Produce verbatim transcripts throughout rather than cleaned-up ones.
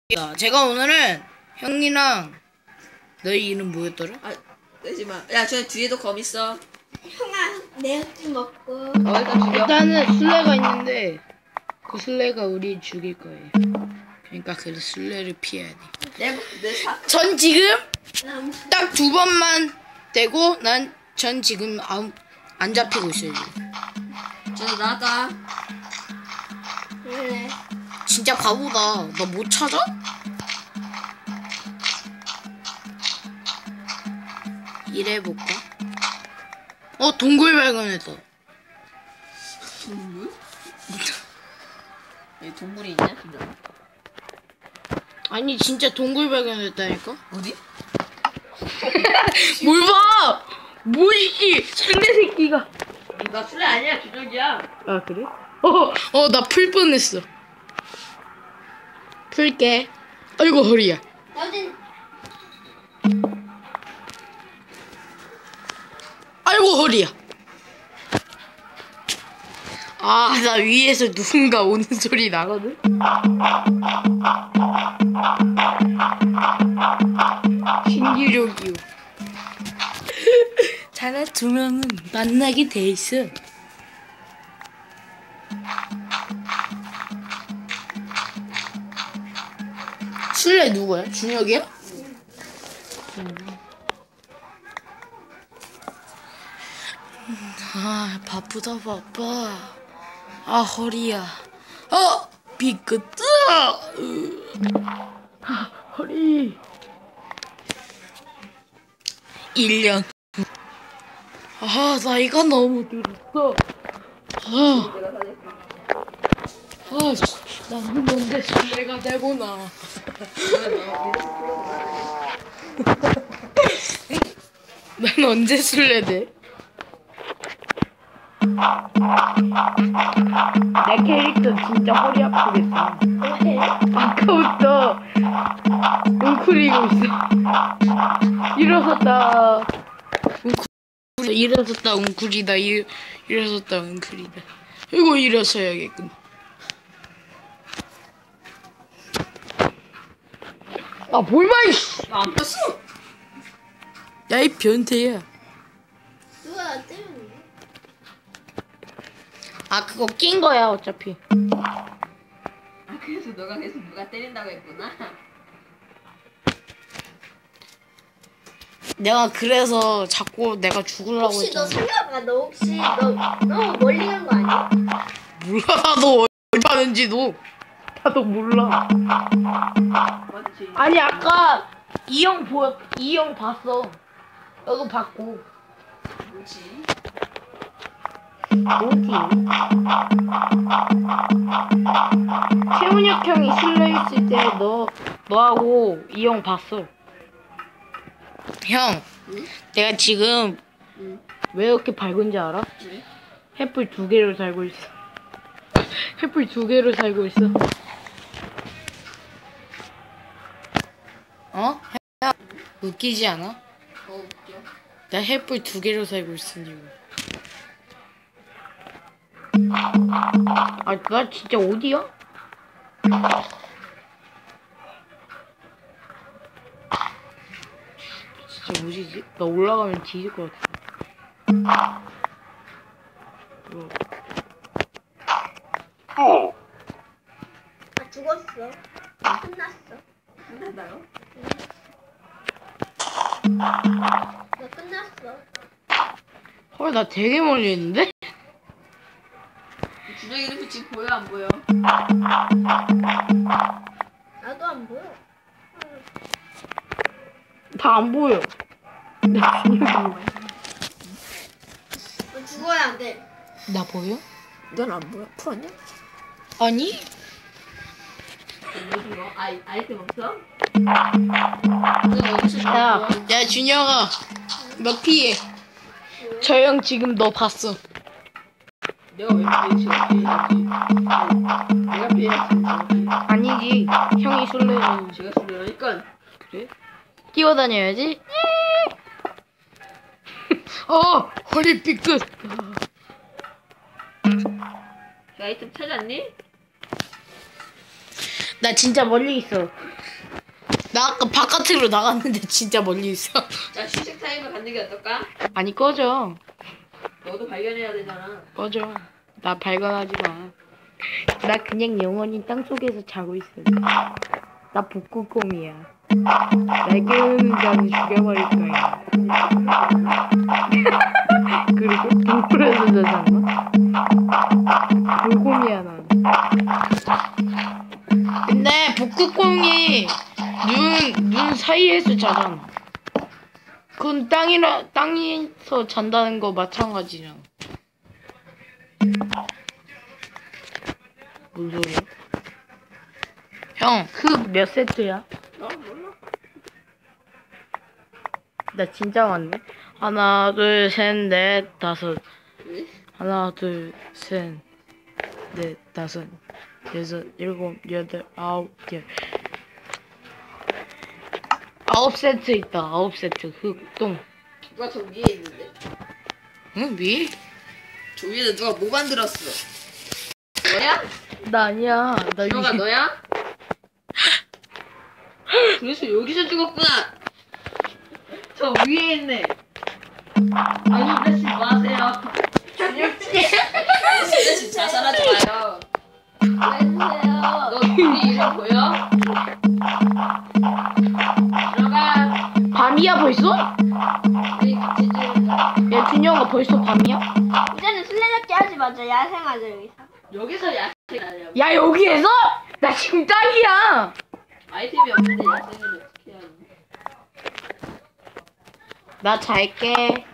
야, 제가 오늘은 형이랑 너희 이름 뭐였더라? 아, 내지마. 야, 저 뒤에도 검 있어. 형아, 내가 먹고. 어, 일단 죽여. 일단은 술래가 있는데 그 술래가 우리 죽일 거예요. 그러니까 그 술래를 피해야 돼. 내, 내 사. 전 지금 남. 딱 두 번만 되고 난 전 지금 아무, 안 잡히고 있어요. 저 나가. 왜? 진짜 바보다. 나 못 찾아? 이래볼까? 어, 동굴 발견했다. 동물? 여기 동물이 있냐, 진짜? 아니 진짜 동굴 발견했다니까? 어디? 뭘 봐! 뭐이씨 상대 새끼가. 나 술래 아니야, 주적이야. 아 그래? 어, 어 나 풀 뻔했어. 풀게. 아이고 허리야. 어딘? 아이고 허리야. 아, 나 위에서 누군가 오는 소리 나거든? 신기록이요. 자네 두 명은 만나게 돼 있어. 술래 누구야? 준혁이야? 아, 바쁘다 바빠. 아, 허리야. 어! 비끄뜨! 아, 허리. 일 년. 아, 나이가 너무 들었어. 아, 아, 나는 언제 술래가 되구나. 난 언제 술래 돼? 내 캐릭터 진짜 허리 아프겠다. 왜? 아까부터 웅크리고 있어. 일어섰다. 웅크리, 일어섰다 웅크리다. 일, 일어섰다 웅크리다. 이거 일어서야겠군. 아, 뭘 봐, 이씨! 나 안 뺐어. 야, 이 변태야. 누가 나 때문에? 아, 그거 낀 거야, 어차피. 아, 그래서 너가 계속 누가 때린다고 했구나. 내가 그래서 자꾸 내가 죽으려고 혹시 너 했잖아. 생각봐. 너 혹시 너 너무 멀리 간 거 아니야? 몰라, 나도 어디 가는지도. 나도 몰라. 맞지? 아니, 아까 이 형 보였, 이 형 봤어. 너도 봤고. 뭐지? 어디? 최훈혁 형이 실내 있을 때 너, 너하고 이 형 봤어. 형, 응? 내가 지금 응. 왜 이렇게 밝은지 알아? 왜? 햇불 두 개로 살고 있어. 햇불 두 개로 살고 있어. 어? 야, 웃기지 않아? 어, 웃겨. 나 햇불 두 개로 살고 있으니. 아, 나 진짜 어디야? 진짜 뭐지? 나 올라가면 뒤질 것 같아. 뭐. 아 죽었어. 끝났어. 끝났나요? 너 끝났어. 헐, 나 되게 멀리 있는데? 주적이 이렇게 지금 보여, 안 보여? 나도 안 보여. 다 안 보여. 나 너 죽어야 안 돼. 나 보여? 넌 안 보여? 풀었냐? 아니? 뭐지, 뭐? 아이, 아이템 없어? 야, 야, 준혁아. 너 피해. 저 형 지금 너 봤어. 내가 왜 피해? 제가 피해야지. 내가 피해야지. 아니지. 형이 술래는. 제가 술래라니까. 그래? 뛰어다녀야지. 어, 허리 삐끗. 그 아이템 찾았니? 나 진짜 멀리 있어. 나 아까 바깥으로 나갔는데 진짜 멀리 있어. 자, 휴식 타임을 갖는 게 어떨까? 아니 꺼져. 너도 발견해야 되잖아. 꺼져. 나 발견하지 마. 나 그냥 영원히 땅속에서 자고 있어. 나 북극곰이야. 날 깨우는 자는 죽여버릴 거야. 그리고 동굴에서 자잖아. 불곰이야 난. 근데 북극곰이 눈, 눈 사이에서 자잖아. 그건 땅이라, 땅에서 잔다는 거 마찬가지잖아. 뭔 소리야? 형, 흙 몇 세트야? 너 몰라? 나 진짜 많네. 하나, 둘, 셋, 넷, 다섯. 왜? 하나, 둘, 셋, 넷, 다섯, 여섯, 일곱, 여덟, 아홉, 열. 아홉 세트 있다. 아홉 세트 흙, 똥. 누가 저 위에 있는데? 응, 위? 저 위에는 누가 뭐 만들었어? 너야? 나 아니야. 나 너가 위. 너야? 그래서 여기서 죽었구나. 저 위에 있네. 아니 그러지 마세요. 그러지 자살하지 마요. 해주세요. 너 우리 이름 보여? 들어가. 밤이야 벌써? 우리 같이 지내자. 야, 준영아 벌써 밤이야? 이제는 술래잡기 하지 마자. 야생하자 여기서. 여기서 야생 하냐고. 야, 여기에서? 나 지금 딱이야. 아이템이 없는데 야생을 어떻게 하니? 나 잘게.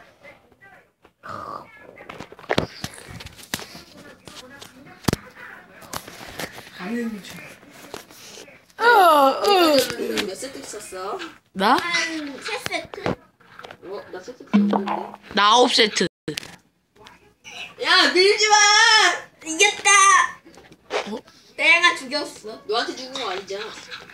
가는 중. 어, 어. 몇 세트 썼어? 나? 한 세 세트? 어? 나 세트 썼는데. 나 아홉 세트. 야 밀지 마! 이겼다. 어? 내가 죽였어. 너한테 죽은 거 아니잖아.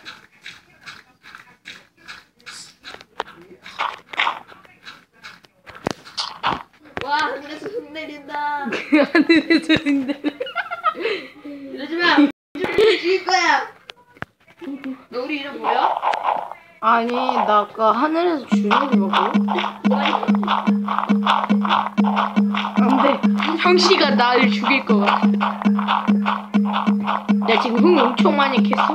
와 하늘에서 흙 내린다. 하늘에서 흔들. 이러지 마. 우리 죽일 거야. 너 우리 이름 뭐야? 아니, 나 아까 하늘에서 주먹이 먹어. 안 돼. 형씨가 나를 죽일 것 같아. 나 지금 흙 엄청 많이 캤어.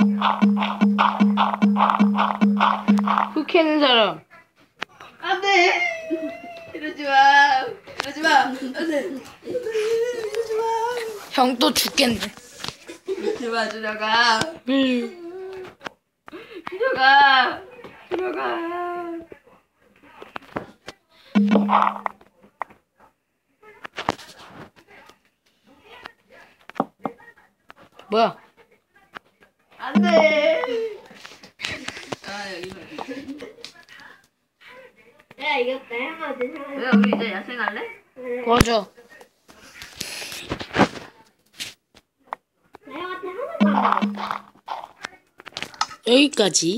흙 캐는 사람. 안돼. 이러지 마. 이러지 마. 안돼. 이러지 마. 형 또 죽겠네. 이러지 마. 들어가. 음. 들어가. 들어가. 뭐야? 안돼. 아 여기서. 내가 이겼다. 형아들 형아들. 왜 우리 이제 야생할래? 꺼져. 나 형한테 하나도 안 먹었어. 여기까지.